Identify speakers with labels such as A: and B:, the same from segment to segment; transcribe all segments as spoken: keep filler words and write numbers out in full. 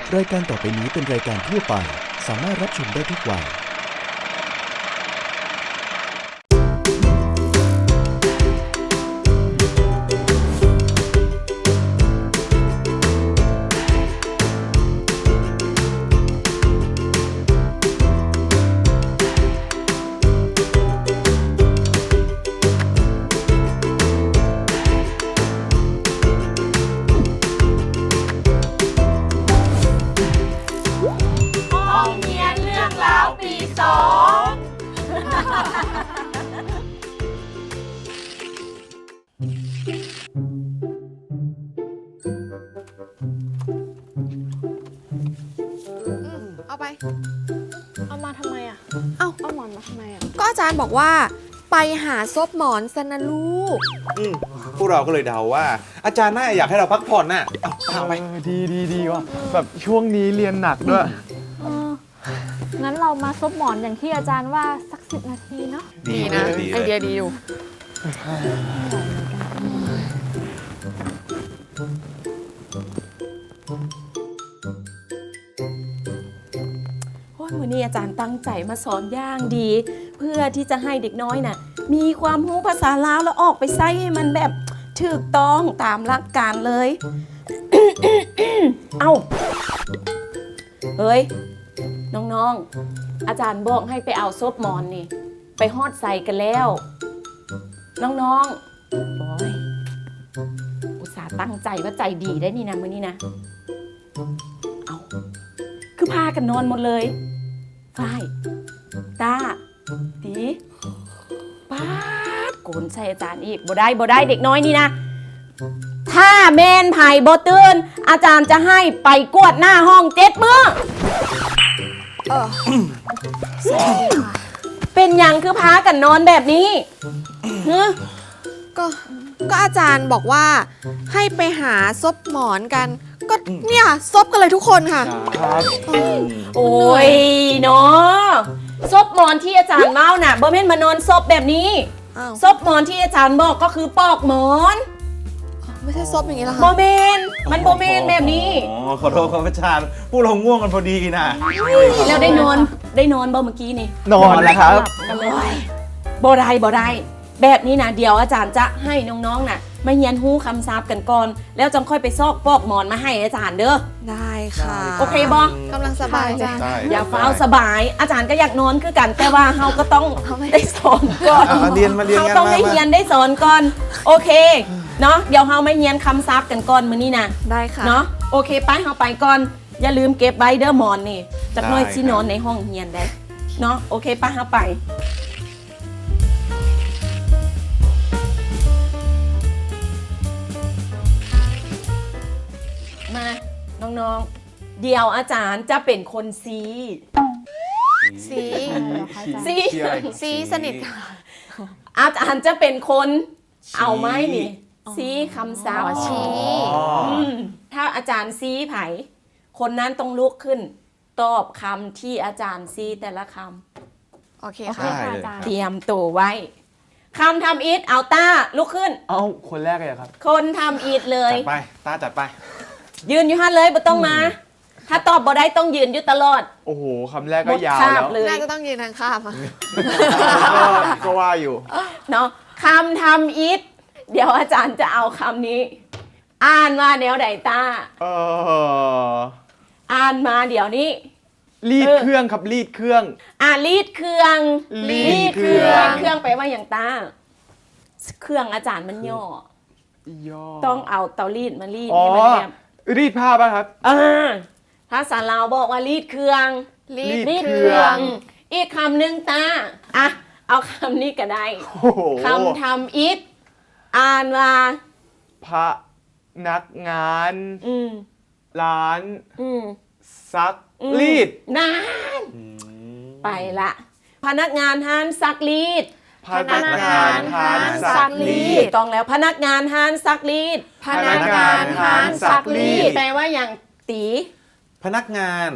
A: รายการต่อไปนี้เป็นรายการทั่วไปสามารถรับชมได้ทุกวัย
B: เอาไป
C: เอามาทำไมอ่ะ
B: เอา
C: เอาหมอนมาทำไมอ่ะ
B: ก็อาจารย์บอกว่าไปหาซบหมอนซะนะลูก
D: อืมพวกเราก็เลยเดาว่า อาจารย์น่าอยากให้เราพักผ่อนน่ะเอาเอาไป
E: เออดีดีดีว่ะแบบช่วงนี้เรียนหนักด้วย
C: เออ งั้นเรามาซบหมอนอย่างที่อาจารย์ว่าสักสิบนาทีเนาะ
B: ดีนะ
D: ดี
B: ไอ
D: เลย
B: เดียดีอยู่
F: โอ้ยมือนี้อาจารย์ตั้งใจมาสอนอย่างดี เพื่อที่จะให้เด็กน้อยน่ะมีความรู้ภาษาลาวแล้วออกไปใช้ให้มันแบบถูกต้องตามหลักการเลย เอ้าเฮ้ยน้องๆอาจารย์บอกให้ไปเอาซบหมอนนี่ไปฮอดใส่กันแล้ว น้องๆโอ้ยอุตส่าห์ตั้งใจว่าใจดีได้นี่นะมือนี้นะเอาคือพากันนอนหมดเลยฝ้ายตาตีป้าดโกนใส่อาจารย์อีกบ่ได้บ่ได้เด็กน้อยนี่นะถ้าแมนไผ่บ่ตื่นอาจารย์จะให้ไปกวดหน้าห้องเจ็ดมื้อ
B: เออ
F: เป็นหยังคือพากันนอนแบบนี้ฮะ
B: ก็ก็อาจารย์บอกว่าให้ไปหาซบหมอนกัน ก็เนี่ยซบกันเลยทุกคนค่ะ
E: ครับ
F: โอ้ยเนาะซบหมอนที่อาจารย์เมาน่ะบ่แม่นมานอนซบแบบนี้
B: อ้าว
F: ซบหมอนที่อาจารย์บอกก็คือปอกหมอน
B: ไม่ใช่ซบอย่างนี้เหรอ
F: โม
B: คะ
F: เมนมันโมเมนแบบนี้
D: อ๋อขอโทษครับอาจารย์พวกเราง่วงกันพอดีนะ
F: แล้วได้นอนได้นอนบ่เมื่อกี้นี่
E: นอนแล้วครับ
F: กันเลยบ่ได้บ่ได้แบบนี้นะเดี๋ยวอาจารย์จะให้น้องๆน่ะมาเรียนฮู้คำศัพท์กันก่อน แล้วจังค่อยไปซอกปอกหมอนมาให้อาจารย์เด้อ
B: ได้ค่ะ
F: โอเคบ่
B: กำลังสบายเลย
D: ได้
F: อย่าเฝ้าสบาย อาจารย์ก็อยากนอนคือกัน แต่ว่าเฮาก็ต้องได้สอนก่อน
D: อ่ะมาเรียนมาเรียน
F: เฮา
D: กัน
F: ต้อง
D: มา
F: ได้เรียน
D: มา
F: ได้สอนก่อนโอเคเนาะเดี๋ยวเฮามาเรียนคำศัพท์กันก่อนมื้อนี้นะ
B: ได้ค่ะ
F: เนาะโอเคไปเฮาไปก่อน อย่าลืมเก็บไว้เด้อหมอนนี่จักหน่อยสินอนในห้องเรียนได้เนาะโอเคไปเฮาไปมาน้องๆเดี๋ยวอาจารย์จะเป็นคนซี
B: ซี
F: ซี
D: ที่อะไร
B: ซีสนิทค่ะ
F: อาจารย์จะเป็นคนเอาไหมนี่ซีคำศัพท์
B: อ๋อชี้
D: อ๋อ
F: มถ้าอาจารย์ซีไผคนนั้นต้องลุกขึ้น ตอบคำที่อาจารย์ซีแต่ละค
B: โอเค
C: โอเค
B: ค่ะ
C: ค่ะอาจาร
F: ำ
C: ย์
F: เตรียมตัวไว้คำทำอีทเอาต้าลุกขึ้น
E: เอ้าคนแรกเลยเหรอครับ
F: คนทำอีทเลย
D: จัดไปตาจัดไป
F: ยืนอยู่ฮั่นเลยบ่ต้องมา ถ้าตอบบ่ได้ต้องยืนอยู่ตลอด
E: โอ้โหคำแรก
F: หม
E: ก็
F: ด
E: ยาว
F: คา
E: แล้
F: บ
E: ว
F: เลย
B: น่าจะต้องยืนทางข้ามอะ
E: ก็ก็ว่าอยู่
F: เนาะคำทำอีทเดี๋ยวอาจารย์จะเอาคำนี้ อ่านว่าแนวใดตา
E: เออ
F: อ่านมาเดี๋ยวนี้
E: รีด
F: เออ
E: เครื่องครับรีดเครื่อง
F: อ่ารีดเครื่อง
E: รีด
F: เครื่อง
E: เครื่อง
F: เครื่องไปลว่าอย่างตาเครื่องอาจารย์มันย่อ
E: ย่อ
F: ต้องเอาเตารีดมารีด
E: อ๋อ
F: ให้มันแบบ
E: รีดผ้าป่ะครับ
F: เออภาษาลาวบอกว่ารีดเครื่อง
B: รี
E: รี
B: ด
E: ด
F: รีด
E: เค
F: เค
E: รื่
F: รื่
E: อ
F: อง ง อีกคำหนึ่งตาอ่ะเอาคำนี้ก็ได้
E: โอ้โห
F: คำทำอิฐอ่านว่า
E: พระนักงาน
F: อืม
E: ร้าน
F: อืม
E: ซัก
F: อืม
E: รีด
F: นานไปละพนักงานห้านซักรีด
E: พนักงานร้านซักรี
F: ถู
E: ด
F: กต้องแล้วพนักงานห้านซักรีด
B: พนักงานร้านซักรีด
F: แปลว่าอย่างตี
D: พนักงาน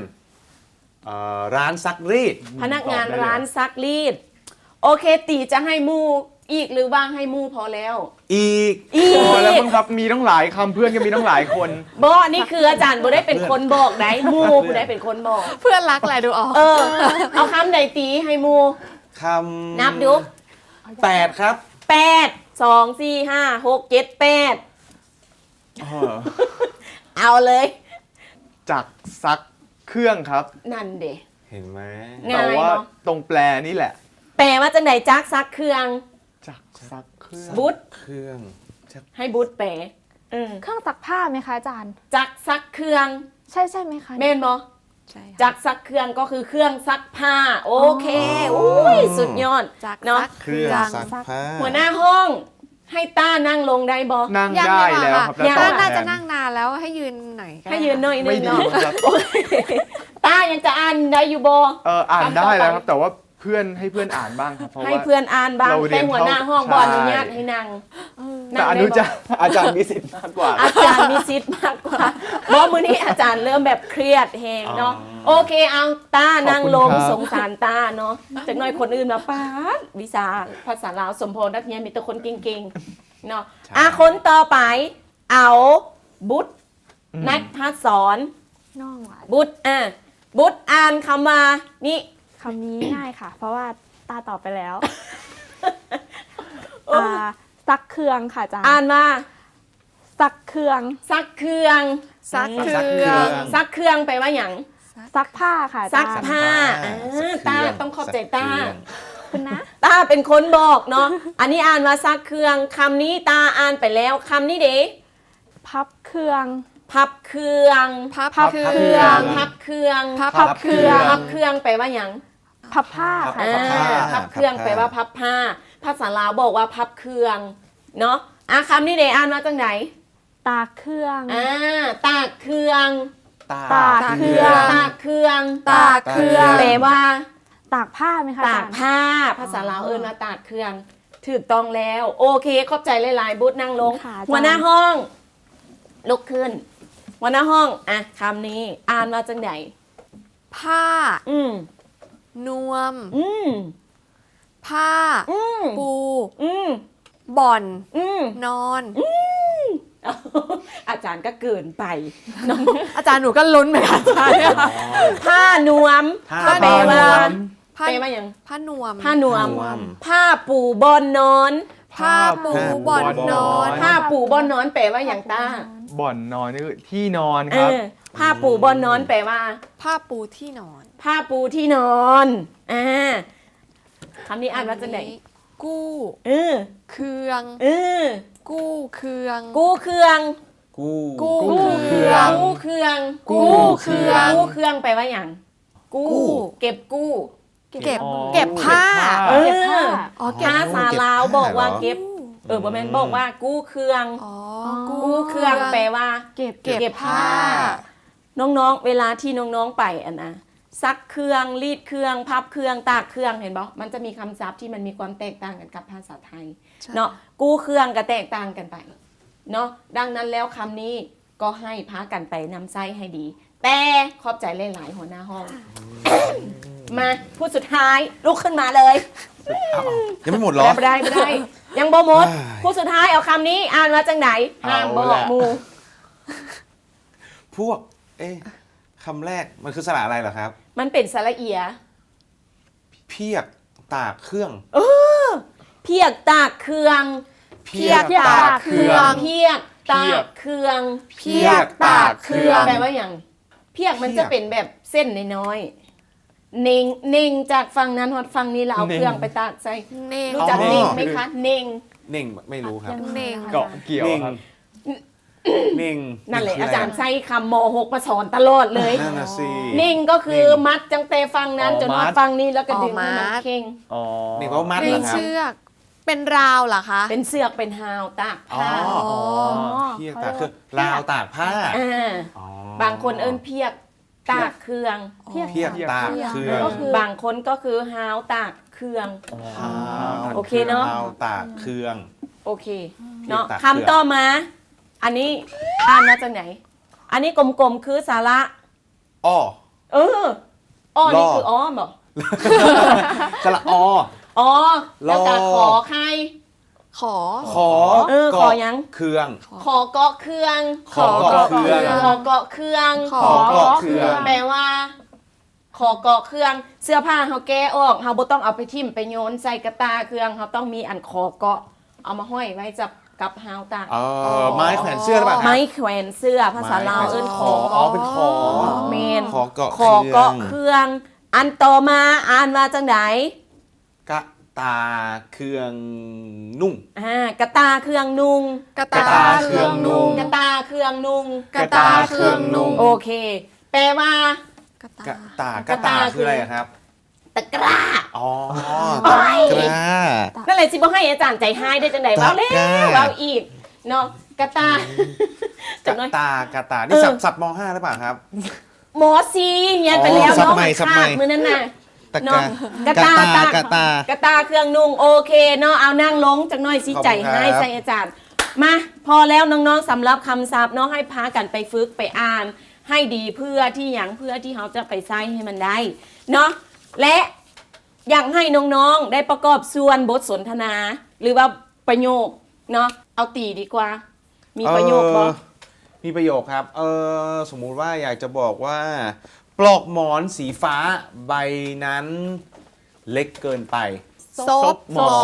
D: เอ่อร้านซักรีด
F: พนักงานร้านซักรีด โอเคตีจะให้หมูอีกหรือว่าให้หมู่พอแล้ว
D: อีก
F: อีก
E: พอแล้วมึงครับมีต้องหลายคำเพื่อนก็มีต้องหลายคน
F: บอนี่คืออาจารย์บ่ได้เป็นคนบอกไหนหมู่บ่ได้เป็นคนบอก
B: เพื่อนรักแหละดูออก
F: เออ เอาคำใดตีให้หมู่
D: คำ
F: นับดู
D: แปดครับ
F: แปดสองสี่ห้าหกเจ็ดแปด
E: เออ
F: เอาเลย
E: จักซักเครื่องครับ
F: นั่นเด้
D: เห็นไหม
F: ง่าย
E: แต่ว่า
F: เนาะ
E: ตรงแปลนี่แหละ
F: แปลว่าจังไหนจักซักเครื่อง
E: จักซักเครื่อง
F: บุต
D: เครื่องชัก
F: ให้บุตแปลเออ
C: เครื่องซักผ้าไหมคะอาจารย์
F: จักซักเครื่อง
C: ใช่ใช่ไหมคะ
F: แม่นบ่
B: ใช่
F: จักซักเครื่องก็คือเครื่องซักผ้า โอเคอุ้ยสุดยอด
B: จาก
F: เนาะ
B: ซัก
D: เครื่องซักผ้า
F: หัวหน้าห้องให้ต้านั่งลงได้บ่
E: นั่ง
B: ยัง
E: ได้
B: ดีก
E: แล้ว
B: ว่า
E: ครับ
B: ค่ะ
F: ยัง
E: ต่
B: น่า
E: อ
B: น่าจะ
E: แท
B: นั่งนานแล้วให้ยืนหน่อยก็
F: ให้ยืนหน่อยนึ
E: ไม่
F: ง
E: ดี
F: เนาะ
E: ครับ
F: โอเคต้ายังจะอ่านได้อยู่บ่
E: เอออ่านได้แล้วครับ แต่ว่าเพื่อนให้เพื่อนอ่านบ้างครับเพราะ
F: ให้
E: ว่า
F: เพื่อนอ่านบ้าง
E: เราเรี
F: แต่
E: ยน
F: หัวหน้าห้อง
E: ใช่
F: บออนุญาตให้นั่ง
E: แต่อนุจารย์อาจารย์มีสิทธิ์มากกว่า
F: อาจารย์มีซิทธิ์มากกว่าบอมือนี้อาจารย์เริ่มแบบเครียดแฮงเนาะ โอเคเอาตานั่งลง
E: ขอบคุณครับ
F: สงสารตาเนาะจากหน่อยคนอื่นมาป้าดวิชาภาษาลาวสมพรนักเรียนมีแต่คนเก่งๆเนาะอ่ะคนต่อไป เอาบุตรนักพัฒสอน
C: น้องอ่ะ
F: บุตรอ่ะบุตรอ่านคำมานี่
C: คำนี้ง่ายค่ะ เพราะว่าตาตอบไปแล้วอ่าซักเครื่องค่ะอาจารย์
F: อ่านมา
C: ซักเครื่อง
F: ซักเครื่อง
B: ซักเค
D: ซักเค
B: รื่
D: รื่
B: อ
D: อง ง
F: ซักเครื่องไปลว่าอย่าง
C: ซักผ้าค่ะอา
F: ซั
C: จาก รย์
F: ผ้า
D: ซั
F: อ่าก
D: เครื่
F: ตา
D: อง
F: ต้องขอบใจตา
D: ซักเครื่อง
C: คุณนะ
F: ตาเป็นคนบอกเนาะ อันนี้อ่านมาซักเครื่องคำนี้ตาอ่านไปแล้วคำนี้เด้
C: พับเครื่อง
F: พับเครื่อง
B: พับ
C: พับ
B: เค
C: เครื่
B: รื่อ
C: อง ง
F: พับเครื่อง
B: พับ
C: พับเครื่อง
F: พับเครื่องแปลว่าอย่าง
C: พับผ้าค่ะ
F: อ่า
C: อาจารย์
F: พับเครื่องแปลว่าพับผ้า ภาษาลาวบอกว่าพับเครื่องเนาะอ่ะคำนี้เด้อ่านมาจากไหน
C: ตากเครื่อง
F: อ่าตากเครื่อง
D: ตา
C: ตากเครื่อง
F: ตากเครื่อง
B: ตากเครื่อง
F: แปลว่า
C: ตากผ้าไหมคะอา
F: ตา
C: จาก รย์
F: ผ้า ภาษาลาวเอิ้นมาตากเครื่องถูกต้องแล้ว โอเคขอบใจหลายๆบุตรนั่งลง
C: ค่ะอาจารย์
F: หัวหน้าห้อง ลุกขึ้น หัวหน้าห้องอ่ะคำนี้อ่านมาจากไหน
B: ผ้า
F: อืม
B: นวม
F: อืม
B: ผ้า
F: อืม
B: ปู
F: อืม
B: บ่อน
F: อืม
B: นอน
F: อาจารย์ก็เกินไปเนอะ
B: อาจารย์หนูก็ลุ้นเหมือนกันอาจารย์เนี่ย
F: ผ้านวม
D: ผ้า
F: ก็แปลว่า
B: ผ้า
F: แปลว่าอย่าง
B: ผ้านวม
F: ผ้านวม
D: นวม
F: ผ้าปูบอนนอน
B: ผ้าปูบ่อนนอน
F: ผ้าปูบอนนอนแปลว่าอย่างตา
E: บ่อนนอนนี่คือที่นอน
F: เอ
E: ครับ
F: อผ้าปูบอนนอนแปลว่า
B: ผ้าปูที่นอน
F: ผ้าปูที่นอนอ่าคำนี้อ่านว่าจากไหน
B: กู้
F: เออ
B: เครื่อง
F: เออ
B: กู้เครื่อง
F: กู้เครื่อง
D: กู้
B: กู้
E: กู้เครื่อง
F: กู้เครื่อง
B: กู้เครื่อง
F: กู้เครื่องแปลว่าอย่าง กู้
B: กู้
F: เก็บกู้
B: เก็บ
E: อ๋อ
B: เก็บผ้า
F: เอ
C: เก็บผ้า
F: อ
B: อ๋อเก็บ
F: ภาษาลาวบอกว่าเก็บ
B: กู้
F: เออบ่แม่นบอกว่ากู้เครื่อง
B: อ๋อ
F: กู้เครื่องแปลว่า
C: เก็บ
B: เก็บผ้า
F: น้องๆ เวลาที่น้องๆ ไปอันนะซักเครื่องรีดเครื่องพับเครื่องตากเครื่องเห็นบ่มันจะมีคำศัพท์ที่มันมีความแตกต่างกันกับภาษาไทย
B: ใช่
F: เนาะกู้เครื่องก็แตกต่างกันไปเนาะดังนั้นแล้วคำนี้ก็ให้พากันไปนำไส้ให้ดี แต่ขอบใจหลายๆหัวหน้าห้อง มาผู้สุดท้ายลุกขึ้นมาเลย
D: ยังไม่หมดเหรอ
F: ไม่ได้ไม่ได้ ยังบ่หมด
D: อ้าย
F: ผู้สุดท้ายเอาคำนี้อ่านมาจากไหนห้ามบอ
E: เอา
F: ก
E: ละ
F: หมู
D: พวก เอ๊ะคำแรกมันคือสระอะไรเหรอครับ
F: มันเป็นสระเอีย
D: เพียกตากเครื่อง
F: เพียกตากเครื่อง
B: เพียกตากเครื่อง
F: เพียกตากเครื่อง
B: เพียกตากเครื่อง
F: แปลว่าอย่างเพียกมันจะเป็นแบบเส้นน้อยๆเน่งเน่งจากฝั่งนั้นหอดฝั่งนี้เราเอาเครื่องไปตากใส่
B: เน่ง
F: รู้จัก
D: อ๋อ
F: เน่งไหมคะเน่ง
D: เน่งไม่รู้ครับ
B: เน่ง
E: เกาะเกี่ยว
D: เน่ง
E: ครับ
D: เน่ง
F: นั่นแหละ
D: คื
F: อา
D: ไร
F: จารย์ใช้คำมหกมาสอนตลอดเลย
D: นั่นน่ะสิ
F: เน่งก็คือมัดจังเตฝั่งนั้น
E: อ๋อ
F: จนหอด
E: มัด
F: ฝั่งนี้แล้วก็ดึง
B: อ๋อ
F: ให้มัน
B: มัด
F: เข่ง
E: อ๋อ
D: เน่งว่ามัด
B: เน่
D: เหรง อครับ
B: เชือก เป็นราวเหรอคะ
F: เป็นเสือกเป็นฮาวตากผ้า
D: อ๋อ
B: อ๋อ
D: เพียกตากเครื่องราวตากผ้า
F: อ่า
D: อ๋อบ
F: างคนเอิ้นเพียกตากเครื่อง
C: เพียก
D: เพียกตากเครื่อง
C: ก็คือบ
F: างคนก็คือฮาวตากเครื่อง
D: อ่า
F: โอเคเนอะ
D: ราวตากเครื่อง
F: โอเคเนาะ
D: เพียกตากเครื่อง
F: คำต่อมา อันนี้อ่านมาจากไหน อันนี้กลมๆคือสาระ
D: อ้อ
F: เอออ้อนี่
D: ล่อ
F: คืออ้อมเหรอ
D: สระอ
F: อ๋อแล้วก็ขอใคร
B: ขอ
D: ขอ
F: เออขอยัง
D: เครื่อง
F: ขอเกาะเครื่อง
D: ขอเกาะเครื่อง
F: ขอเกาะเครื่อง
B: ขอ
D: เกาะเครื่อง
F: แปลว่า ขอเกาะเครื่องเสื้อผ้าเขาแก้ออกเขาบ่ต้องเอาไปทิ่มไปโยนใส่กระตาเครื่องเขาต้องมีอันขอเกาะเอามาห้อยไว้จับกับฮาวตา
D: เออไม้แขวนเสื้อหรือเปล่าครับ
F: ไม้แขวนเสื้อภาษาลาวเอิ้นขอ
D: อ๋อเป็นขอ
F: เมน
D: ขอเกาะ
F: ขอเกาะเครื่อง อันต่อมาอ่านว่าจังได
D: กระตาเครื่องนุ่ง
F: อ่ากระตาเครื่องนุง
B: กระ
D: กระตาเครื่องนุ่ง
F: กระตาเครื่องนุง
B: กระตาเครื่องนุ่ง
F: โอเค แปลว่า
B: กระ
D: กระ
B: ตา
D: ตากระตาคืออะไรอะครับ
F: ตะกร้า
D: อ๋อ
F: โอ้
D: ตะ
F: ย
D: กร้า
F: นั่นเลยสิบ่ให้อาจารย์ใจให้ได้จังได
D: ตะ
F: เว้าแล้
D: กร้า
F: วเว้าอีกเนาะกระตาก จั
D: ระ
F: งน้อย
D: ตากระตานี่
F: เออ
D: สับสับมห้าหรือเปล่าครับ
F: หมอซีเรียนไปแล้ว
D: อ๋อสับ
F: เนาะ
D: ใหม่สับใหม่
F: มื้อนั้นน่ะ
D: ตะก
F: เนาะ
D: ร้าก
F: ระตาก
D: ระตากระตาก
F: ระตาเครื่องนุ่งโอเคเนาะเอานั่งลงจังน้อยสิ
D: ขอบคุณ
F: ใจให้
D: ครับ
F: ใส่อาจารย์ มาพอแล้วน้องๆสำหรับคำศัพท์เนาะให้พากันไปฝึกไปอ่าน ให้ดีเพื่อที่อย่างเพื่อที่เขาจะไปใช้ให้มันได้เนาะและอยากให้น้องๆได้ประกอบส่วนบทสนทนา หรือว่าประโยคเนาะเอาตีดีกว่า มีประโยคบ่
D: เออมีประโยคครับ เออสมมุติว่าอยากจะบอกว่า ปลอกหมอนสีฟ้าใบนั้นเล็กเกินไป
B: ซบหมอน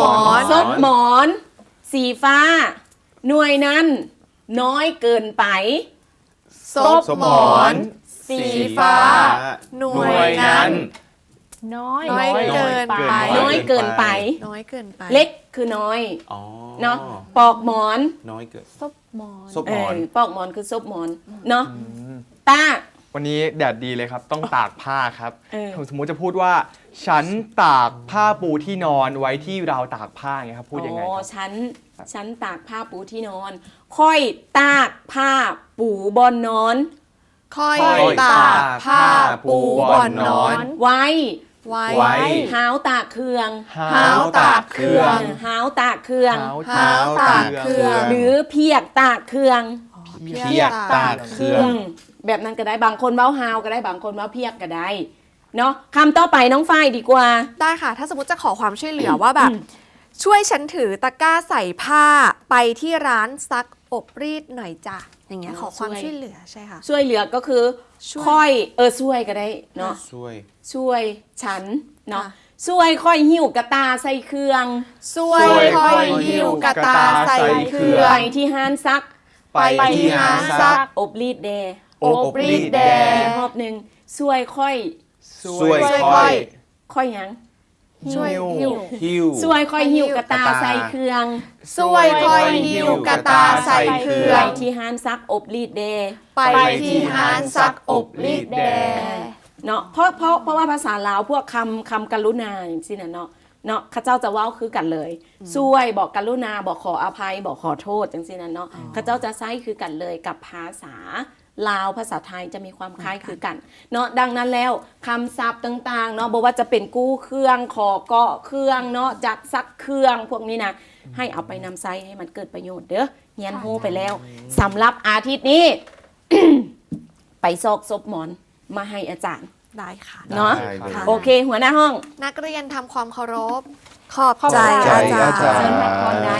F: ซบหมอน สีฟ้า หน่วยนั้น น้อยเกินไป
B: ซบหมอน สีฟ้า หน่วยนั้น
C: น้อย
B: น้อยเกินไป
F: น้อยเกินไป
B: น้อยเกินไป
F: เล็กคือน้อย
D: อ๋อ
F: เนาะปอกหมอน
D: น้อยเกิน
C: ซบหมอน
D: ซบ
F: เอ
D: หมอ
F: อน ปอกหมอนคือซบหมอนเนาะตา
E: วันนี้แดดดีเลยครับ ต้องตากผ้าครับ
F: เออ
E: สมมุติจะพูดว่า ฉันตากผ้าปูที่นอนไว้ที่ราวตากผ้าไงครับ พูดยังไง
F: อ๋อ
E: ครับ
F: ฉันฉันตากผ้าปูที่นอน ค่อยตากผ้าปูบอนนอน
B: ค่อย
D: ค่อย
B: ตากผ้าปูบ่อนนอน
F: ไว้
B: ไว้
D: ไว้
F: หาวตากเครื่อง
B: หาวตากเครื่อง
F: หาวตากเครื่อง
B: หาวตากเครื่อง
F: หรือเพียกตากเครื่อง
D: เพียกตากเครื่อง
F: มแบบนั้นก็ได้บางคนเว้าหาวก็ได้บางคนเว้าเพียกก็ได้เนาะคำต่อไปน้องฝ้ายดีกว่า
B: ได้ค่ะ ถ้าสมมติจะขอความช่วยเหลือว่าแบบ ช่วยฉันถือตะกร้าใส่ผ้าไปที่ร้านซักอบรีดหน่อยจ้ะอย่างเงี้ย
F: อ๋อ
B: ขอความ
F: ช่วย
B: ช่วยเหลือใช่ค่ะ
F: ช่วยเหลือก็คือ
B: ช่วย
F: ค่อยเออช่วยก็ได้เนาะ
D: ช่วย
F: ช่วยฉันเนาะ
B: ค่ะ
F: ช่วยค่อยหิ้วกระตาใส่เครื่อง
B: ช่วยค่อยหิ้วกระตาใส่เครื่อ
F: ไป
B: ง
F: ที่ห้านซัก
B: ไปที่ร้านซัก
F: อบรีดแด
D: อบรีดแด
F: อีกรอบหนึ่งช่วยค่อย
D: ช่วย
B: ช่วย
D: ค่อย
F: ค่อยหยัง
B: ช่วยหิ้ว
D: หิ้ว
F: ช่วยค่อยหิ้วกระตาใส่เครื่อง
B: ช่วยค่อยหิ้วกระตาใส่เครื่อ
F: ไป
B: ง
F: ที่ห้านซักอบรีดแด
B: ไปที่ร้านซักอบรีดแด
F: เนาะเพราะเพราะเพราะว่าภาษาลาวพวกคำคำกรุณาอย่างที่นั่นเนาะเนาะข้าเจ้าจะเว้าคือกันเลยช่วยบอกกรุณาบอกขออภัยบอกขอโทษจังซี่นั่นเนาะข้าเจ้าจะใช้คือกันเลยกับภาษาลาวภาษาไทยจะมีความคล้ายคือกันเนาะดังนั้นแล้วคำศัพท์ต่างๆเนาะบอกว่าจะเป็นกู้เครื่องขอเกาะเครื่องเนาะจัดซักเครื่องพวกนี้นะให้เอาไปนำใช้ให้มันเกิดประโยชน์เด้อเฮียนฮู้ไปแล้วสำหรับอาทิตย์นี้ ไปซอกซบหมอนมาให้อาจารย์
B: ได้ค่ะ
F: เนาะ
D: ได้เลย
B: ค่ะ
F: โอเค หัวหน้าห้อง
B: นักเรียนทำความเคารพ ขอบ
C: ขอบ
B: ใจ
C: ใจ
B: อาจาร
D: อาจาร
B: ย์
D: ย์
F: เชิญพักผ่อนได้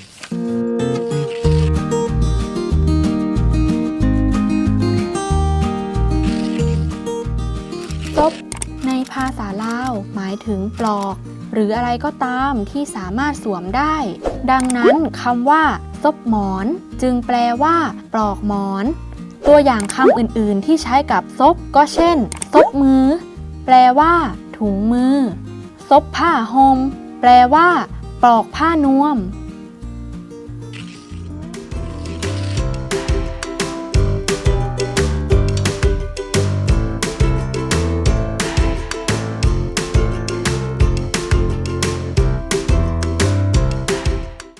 C: ซบในภาษาลาวหมายถึงปลอก หรืออะไรก็ตามที่สามารถสวมได้ ดังนั้นคำว่าซบหมอนจึงแปลว่า ปลอกหมอน ตัวอย่างคำอื่นๆที่ใช้กับซบก็เช่นซบมือ แปลว่า ถุงมือซบผ้าห่มแปลว่า ปลอกผ้านวม